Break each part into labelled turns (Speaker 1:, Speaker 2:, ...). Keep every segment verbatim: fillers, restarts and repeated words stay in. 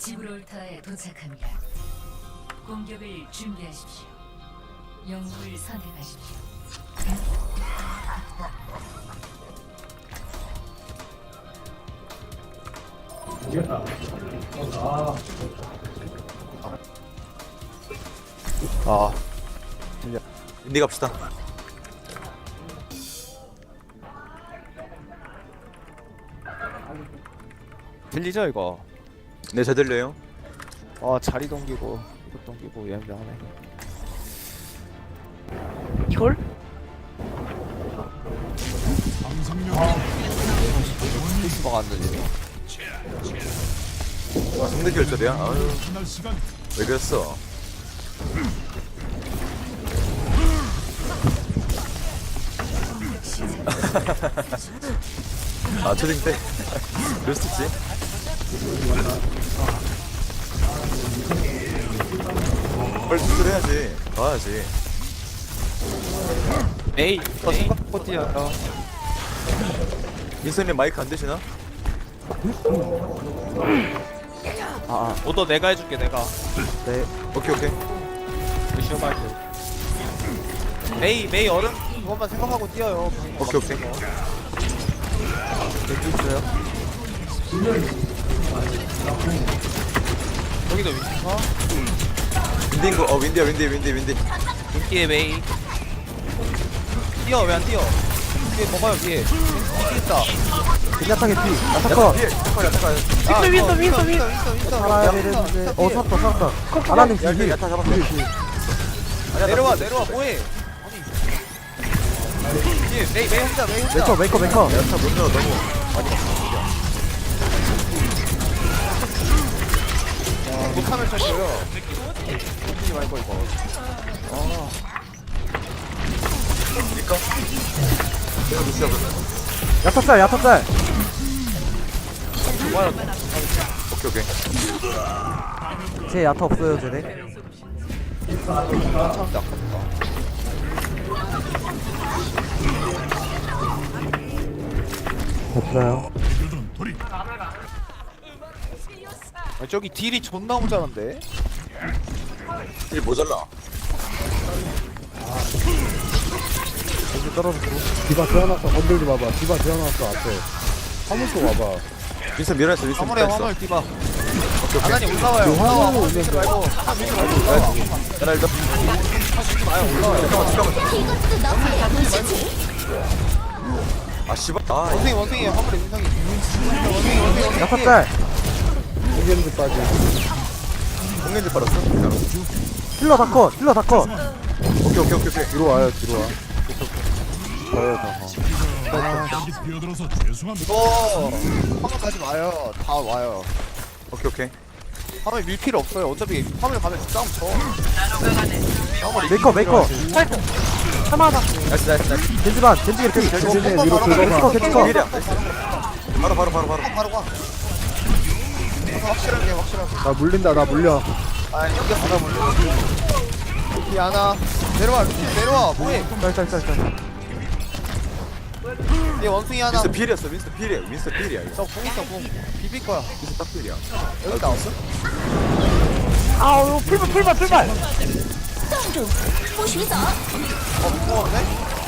Speaker 1: 지브롤터에 도착합니다. 공격을 준비하십시오. 영웅을 선택하십시오.
Speaker 2: 아,
Speaker 3: 인디 갑시다.
Speaker 2: 들리죠 이거?
Speaker 3: 네, 잘 들려요.
Speaker 2: 아, 자리 동기고 이것 동기고 예민하네.
Speaker 4: 이걸?
Speaker 2: 페이스버가 안 들리네.
Speaker 3: 아, 상대 결절이야? 아유, 왜 그랬어? 아, 초딩 때? 그럴 수 있지. 빨리 수술해야지. 가야지.
Speaker 2: 에이, 저 생각보다 뛰어요.
Speaker 3: 민서님 마이크 안 되시나?
Speaker 2: 아, 아, 오더 내가 해줄게 내가.
Speaker 3: 네. 오케이, 오케이.
Speaker 2: 미션 마이크. 메이, 메이 얼음 그것만 생각하고 뛰어요.
Speaker 3: 오케이, 오케이.
Speaker 2: 왼쪽 있어요. 여기도 윈터.
Speaker 3: 윈디인 거, 어, 윈디야, 윈디, 윈디, 윈디.
Speaker 2: 인기의 메이. 뛰어, 왜 안 뛰어? 뒤에 먹어요, 뒤에. 인기 있다.
Speaker 5: 야타게 피
Speaker 3: 야타,
Speaker 5: 야타커
Speaker 3: 피해. 야타, 야타, 야타.
Speaker 2: 아,
Speaker 4: 윈터,
Speaker 2: 어,
Speaker 4: 윈터, 윈터.
Speaker 2: 윈터, 윈터.
Speaker 5: 살아야 되는데 어 살았다 살았다 아나님
Speaker 3: 야,
Speaker 5: 뒤
Speaker 3: 야타 잡았어. 아니야,
Speaker 2: 내려와,
Speaker 3: 나-
Speaker 2: 내려와, 뭐해? 아니. 뒤에 메이, 메이 혼자, 메이 혼자.
Speaker 5: 메이커 메이커 메이커
Speaker 3: 야타 먼저 너무 많이 갔어.
Speaker 2: 못하면 쳤어요. 던지지 말고 이거. 아,
Speaker 3: 그니까? 내가 루시아 보면.
Speaker 5: 야타짤 야타짤
Speaker 2: 좋아요.
Speaker 3: 오케이, 오케이.
Speaker 5: 제 야타 없어요 쟤네
Speaker 2: 참다 아깝다.
Speaker 5: 없어요
Speaker 2: 아, 저기 딜이 존나 모자란데.
Speaker 3: 일 모자라.
Speaker 5: 여기 떨어졌고 디바 태어났어 건들지 마봐 디바 태어났어 앞에 화물 쏘 와봐
Speaker 3: 윈서 밀어냈어, 윈서
Speaker 2: 화물에
Speaker 3: 밀어냈어.
Speaker 2: 화물 디바.
Speaker 3: 오케이, 오케이.
Speaker 2: 아나니 올라와요. 올라와.
Speaker 5: 화물
Speaker 2: 화물 밀지
Speaker 5: 오면
Speaker 2: 말고. 아, 밀지 말고.
Speaker 3: 야나 일단.
Speaker 2: 마요. 올라와요.
Speaker 3: 잠깐만, 잠깐만. 아, 씨발. 아,
Speaker 2: 원숭이 원숭이 화물에 민성이. 원숭이 원숭이 원숭이.
Speaker 5: 야타짤 공격도 빠지
Speaker 3: 공연지 빨았어? 진짜로.
Speaker 5: 힐러 다커 힐러 다커
Speaker 3: 오케이, 오케이, 오케이, 오케이.
Speaker 5: 뒤로 와요 뒤로 와 저요 저거
Speaker 2: 이거 화물 가지 마요. 다 와요.
Speaker 3: 오케이, 오케이.
Speaker 2: 화물 밀 필요 없어요. 어차피 화물 가면 싸움 쳐.
Speaker 5: 메이커 메이커
Speaker 4: 참아봐.
Speaker 3: 나이스, 나이스, 나이스.
Speaker 5: 겐지반 겐지 개피 겐지
Speaker 2: 겐지
Speaker 5: 위로
Speaker 2: 바로
Speaker 5: 긁어봐
Speaker 2: 바로
Speaker 5: 겐지커
Speaker 3: 일이야. 바로, 바로, 바로, 바로.
Speaker 2: 바로 가. 확실하게 확실하게.
Speaker 5: 나 물린다 나 물려
Speaker 2: 아 이겼어 나 몰라. 이 하나 내려와 루시 내려와 뭐해?
Speaker 5: 짤짤짤짤
Speaker 2: 얘 원숭이 하나.
Speaker 3: 윈서 필이었어, 윈서 필이야. 윈서 필이야, 이거.
Speaker 2: 저공 있어 공. 비빌 거야.
Speaker 3: 윈서 딱 필이야.
Speaker 2: 여기 나왔어?
Speaker 4: 아우, 풀발, 풀발, 풀발.
Speaker 2: 어 무서웠네.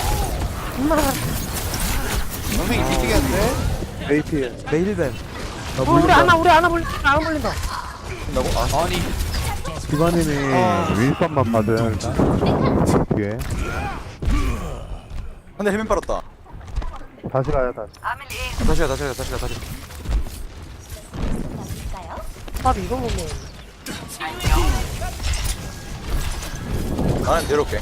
Speaker 2: 원숭이 뒤지게 했는데.
Speaker 5: 메이피 메일벤 나
Speaker 4: 어, 우리 하나, 우리 하나 물린다. 하나 물린다.
Speaker 3: 된다고? 아,
Speaker 2: 아니
Speaker 5: 디바님이
Speaker 2: 아.
Speaker 5: 윈선만 받은 뒤에
Speaker 3: 한대 해면 빨았다.
Speaker 5: 다시 가요 다시
Speaker 3: 아, 다시 가, 다시 가, 다시 가, 다시 가.
Speaker 4: 밥 이거 먹네.
Speaker 3: 나는 내려올게.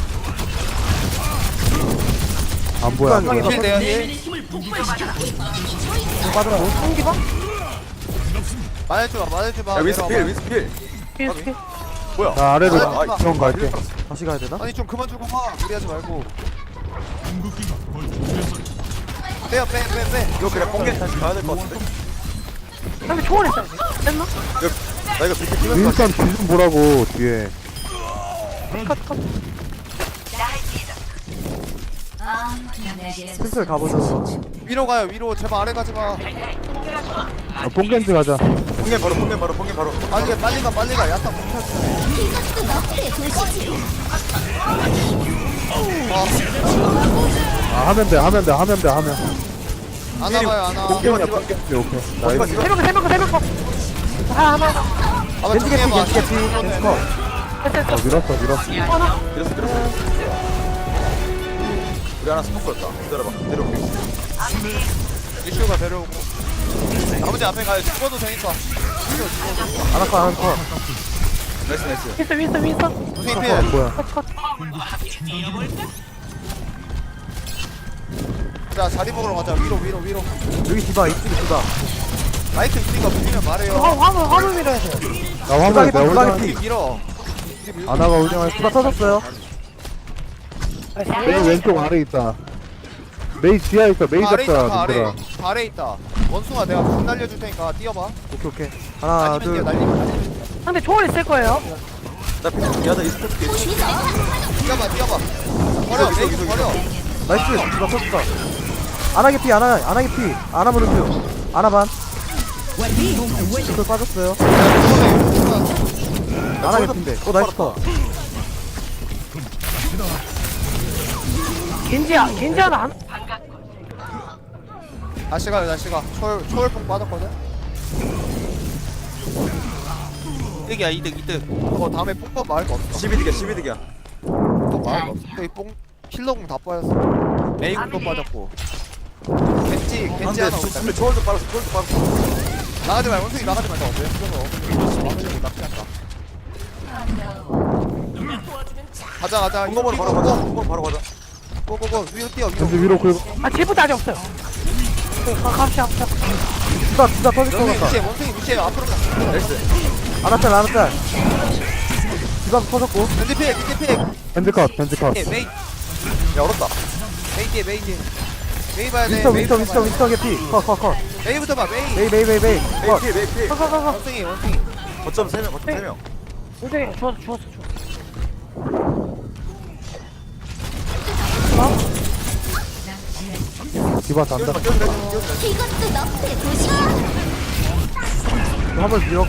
Speaker 5: 안 보여 안 보여
Speaker 2: 힐 내야 힐.
Speaker 5: 빠져라
Speaker 4: 공기봐?
Speaker 2: 말해줘봐 말해줘봐.
Speaker 3: 야, 윈서 필,
Speaker 2: 내려와봐.
Speaker 3: 윈서 필.
Speaker 4: 이렇게.
Speaker 3: 뭐야?
Speaker 5: 나 아래로
Speaker 2: 아, 아,
Speaker 5: 지원 갈게
Speaker 3: 힐 빨았어.
Speaker 5: 다시 가야 되나?
Speaker 2: 아니 좀 그만 주고 가. 무리하지 말고. 빼요 빼 빼 빼.
Speaker 3: 이거 그냥 뽕겐 다시 가야 될 것 같은데?
Speaker 4: 근데 초월했다. 됐나?
Speaker 3: 이거, 나 이거 비트 끼면서
Speaker 5: 윈선 뒤좀 보라고 뒤에 슬슬 가보자
Speaker 2: 위로 가요 위로 제발 아래 가지 마.
Speaker 5: 뽕겐지 가자
Speaker 3: 폭행 바로 폭행 바로 폭행 바로.
Speaker 2: 빨리 가 빨리 가 빨리 가 야타 뭉쳤어.
Speaker 5: 아 하면 돼 하면 돼 하면 돼 하면
Speaker 2: 안 와봐요 안 와.
Speaker 5: 오케이 오케이 오케이
Speaker 3: 디바
Speaker 5: 나이스
Speaker 3: 디바.
Speaker 4: 세 명, 세 명, 세 명. 아, 하나, 하나.
Speaker 2: 아마
Speaker 5: 겐지 개피
Speaker 2: 정리해봐.
Speaker 5: 겐지 개피 겐지 컷
Speaker 4: 됐어,
Speaker 5: 어
Speaker 4: 됐어.
Speaker 5: 밀었어 밀었어
Speaker 4: 하나.
Speaker 3: 밀었어 밀었어. 우리 하나 스포크였다. 기다려봐. 내려올게.
Speaker 2: 이슈가 데려오고. 아버지 앞에 가요. 죽어도 되니까.
Speaker 5: 하나 컷 하나 컷
Speaker 3: 나이스 나이스.
Speaker 4: 윈스, 윈스, 윈스.
Speaker 2: 무슨
Speaker 5: 어,
Speaker 2: 피해?
Speaker 5: 뭐야
Speaker 4: 컷, 컷.
Speaker 2: 자 자리 먹으러 가자. 위로 위로 위로.
Speaker 5: 여기 디바 이쪽에 디바
Speaker 2: 마이크 있으니까 밀면 말해요.
Speaker 4: 화, 화물, 화물 밀어야 돼.
Speaker 5: 나 화물 내가
Speaker 2: 우리
Speaker 5: 올라갈게
Speaker 2: 밀어.
Speaker 5: 아나가 울정할 디바 터졌어요 메이 왼쪽 아래 있다 메이 지하에 있어 메이
Speaker 2: 다 아래 있다. 다
Speaker 5: 잡자
Speaker 2: 아래.
Speaker 5: 님들아
Speaker 2: 다 아래 있다. 원숭아 내가 공 날려줄 테니까 뛰어봐.
Speaker 5: 오케이 오케이 하나
Speaker 2: 아니면 뛰어
Speaker 5: 둘
Speaker 2: 날리면.
Speaker 4: 상대 초월 있을 거예요.
Speaker 3: 나 피트 미안하다 이 스포츠 게.
Speaker 2: 뛰어봐 뛰어봐. 버려 메이크 버려.
Speaker 5: 나이스 디바 터졌다 아나 개피 아나 아나 개피 아나 무릎표 아나 반 이걸 빠졌어요 아나 개피인데 어 나이스 컷
Speaker 4: 겐지야, 겐지 하나 안.
Speaker 2: 다시 가요 다시 가. 초월 초월풍 빠졌거든. 이득이야 이득 이득. 어 다음에 뽕법 말거 없어.
Speaker 3: 십이 득이야 십이 득이야.
Speaker 2: 뽕법 말거 없어. 여기 뽕 힐러공 다 빠졌어. 메이공도 빠졌고. 겐지 겐지
Speaker 3: 근데
Speaker 2: 하나
Speaker 3: 저-
Speaker 2: 없다.
Speaker 3: 근데 초월도 빨았어 초월도 빨았어.
Speaker 2: 나가지 말고 원숭이 나가지 말고 왜 풀어서 막으려고 나쁘지 않다. 가자 가자.
Speaker 3: 공검으로 바로 가자. 공검으로 바로 가자.
Speaker 2: 고고고 위로 뛰어 위로.
Speaker 5: 겐지 위로 긁어
Speaker 4: 아, 제부터 아직 없어요. 네, 가, 갑시다, 갑시다.
Speaker 5: 디바 디바 터질 것
Speaker 2: 원숭이
Speaker 5: 같다
Speaker 2: 위치해 원숭이 위치해 앞으로 가.
Speaker 3: 나이스.
Speaker 5: 아나짤 아나짤 디바 터졌고
Speaker 2: 겐지 피해 겐지 피해.
Speaker 5: 밴드 컷 밴드 컷
Speaker 2: 예, 메이
Speaker 3: 야 얼었다.
Speaker 2: 메이 뒤에 메이 뒤에. 메이 봐야 돼.
Speaker 5: 윈스터
Speaker 2: 메이
Speaker 5: 윈스터
Speaker 2: 봐야
Speaker 5: 윈스터
Speaker 2: 돼.
Speaker 5: 윈스터 개피 컷컷컷
Speaker 2: 메이부터 봐 메이.
Speaker 5: 메이 메이 메이 메이
Speaker 3: 메이
Speaker 5: 컷
Speaker 3: 피해 메이 피해.
Speaker 4: 가, 가, 가, 가.
Speaker 2: 원숭이 원숭이.
Speaker 3: 거점 세 명 거점 세 명.
Speaker 4: 원숭이, 죽었어, 죽었어, 죽었어.
Speaker 5: 디바 잔다
Speaker 3: 뛰어들어 뛰어들어 뛰어들어.
Speaker 6: 이것도 너프의 도시야.
Speaker 5: 화물 밀어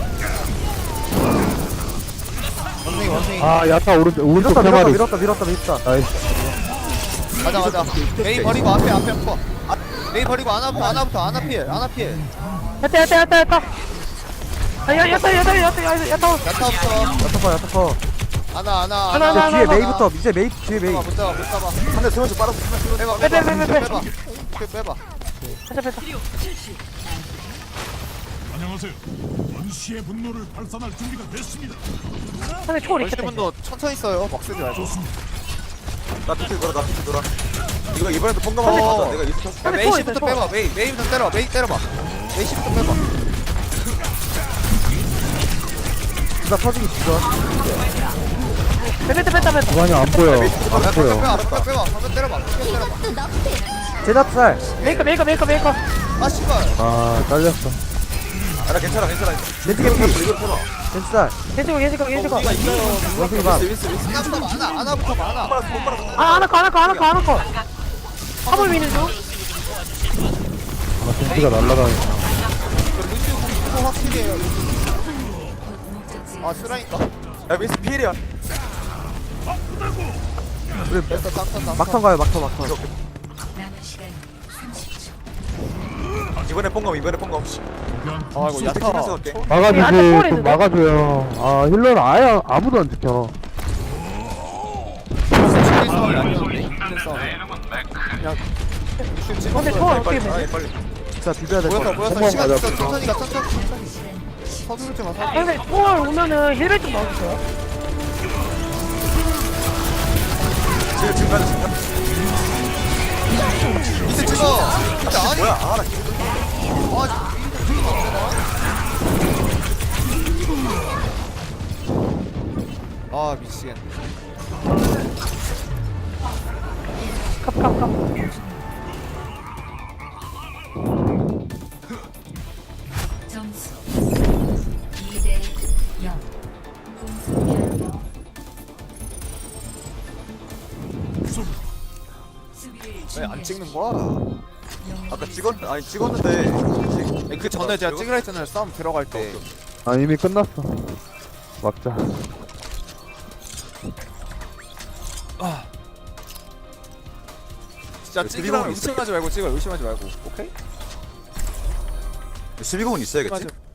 Speaker 2: 원숭이 원숭이.
Speaker 5: 아 야타 오른쪽 오른쪽
Speaker 2: 밀었다,
Speaker 5: 세
Speaker 2: 밀었다,
Speaker 5: 마리
Speaker 2: 밀었다,
Speaker 5: 밀었다 밀었다 나이스
Speaker 2: 가자 가자. 메이 버리고 앞에 앞에 한거. 메이 버리고 아나부터 아나부터 아나 피해 아나 피해.
Speaker 4: 야타, 야타, 야타, 야타. 아, 야, 야타, 야타, 야타, 야타, 야타.
Speaker 2: 야타부터
Speaker 5: 야타 커 야타 커
Speaker 2: 아나 아나
Speaker 4: 하나,
Speaker 5: 이제
Speaker 4: 하나,
Speaker 5: 뒤에
Speaker 4: 하나,
Speaker 5: 메이부터 이제 메이 뒤에 메이
Speaker 2: 못 잡아 못 잡아 못 잡아.
Speaker 3: 한대 세 명씩 빨았어. 세 명씩.
Speaker 2: 빼봐
Speaker 4: 빼,
Speaker 2: 빼봐
Speaker 4: 빼, 빼, 빼.
Speaker 2: 빼봐. 빼 빼봐.
Speaker 4: 빼자, 빼자.
Speaker 7: 안녕하세요. 원시의 분노를 발산할 준비가 됐습니다.
Speaker 4: 상대 초월 있겠다.
Speaker 2: 원시분도 천천히 써요. 막 쓰지 말고.
Speaker 3: 나 피트 돌아 나 피트 돌아. 이거 이번에도 뽕감
Speaker 2: 어.
Speaker 3: 한번 가자. 내가 이스 켰어.
Speaker 2: 야,
Speaker 4: 상대
Speaker 2: 메이
Speaker 4: 초월
Speaker 2: 씨부터
Speaker 4: 있어,
Speaker 2: 빼봐. 메이 메이부터 때려봐. 메이 때려봐. 메이 씨부터 빼봐.
Speaker 5: 디바 터지기 직전
Speaker 4: 빼, 빼, 빼자, 빼자.
Speaker 5: 디바니 안 보여
Speaker 2: 야,
Speaker 5: 안
Speaker 2: 빼봐
Speaker 5: 보여
Speaker 2: 빼봐 빼봐 빼봐. 한번 때려봐. 한번 때려봐.
Speaker 6: 이것도 너프의
Speaker 5: 제자짤
Speaker 4: 메이커, 메이커, 메이커, 메이커.
Speaker 2: 아 씨발.
Speaker 5: 아 잘렸어
Speaker 3: 아나 괜찮아 괜찮아.
Speaker 5: 겐지 개피
Speaker 3: 이거 펴봐.
Speaker 5: 겐지 짤
Speaker 4: 겐지고, 겐지고, 겐지고.
Speaker 5: 원숭이 반
Speaker 3: 윈스 윈스.
Speaker 2: 아나부터 많아. 아나부터 많아.
Speaker 4: 아, 하나 커, 하나 커, 하나 커, 하나 커. 화물 미는 중.
Speaker 5: 아 겐지가 날라가네
Speaker 2: 루시오 공도 확실히 해요.
Speaker 1: 목적지
Speaker 2: 아 쓰라니까.
Speaker 3: 야 윈스 피해야.
Speaker 5: 우리
Speaker 2: 됐어 깜짝 깜짝.
Speaker 5: 막턴 가요 막턴 막턴
Speaker 1: 남은 시간 삼십 초.
Speaker 3: 이번에 뽕감 이번에 뽕감.
Speaker 2: 아 이거 야타.
Speaker 3: 야타 갈게.
Speaker 4: 야,
Speaker 5: 막아주지
Speaker 4: 안에
Speaker 5: 좀
Speaker 4: 있는데?
Speaker 5: 막아줘요 아 힐러는 아예 아무도 안 지켜
Speaker 2: 일 싸움이 아니었는데. 일 싸움. 그냥 루시오 찍어.
Speaker 4: 근데 초월 어떻게
Speaker 3: 빨리
Speaker 4: 돼?
Speaker 3: 빨리.
Speaker 5: 진짜 비벼야 될
Speaker 2: 모여서
Speaker 5: 것 같아
Speaker 2: 모여서 시간
Speaker 5: 가자
Speaker 2: 있어. 천천히 가 천천히. 천천히. 서두르지 마. 서두르지 마.
Speaker 4: 상대 초월 오면은 힐벨 좀 넣어주세요.
Speaker 3: 지금 지금 가자 지금 가자.
Speaker 2: 이제 찍어. 진짜 아니.
Speaker 3: 뭐야 아나
Speaker 2: 아 미치겠네.
Speaker 4: 갑, 갑, 갑.
Speaker 1: 점수 이 대 영. 공수 변경. 수비를
Speaker 2: 왜 안
Speaker 1: 준비하십시오.
Speaker 2: 찍는 거야?
Speaker 1: 영웅을
Speaker 3: 아까 찍었 아니 찍었는데
Speaker 2: 그 전에 제가 찍으라 했잖아요. 싸움 들어갈 때.
Speaker 5: 아 이미 끝났어. 막자.
Speaker 2: 진짜
Speaker 3: 그
Speaker 2: 찍으라면
Speaker 3: 수비공은
Speaker 2: 의심하지 말고 찍어. 의심하지 말고. 오케이?
Speaker 3: 수비공은 있어야겠지?
Speaker 2: 맞아.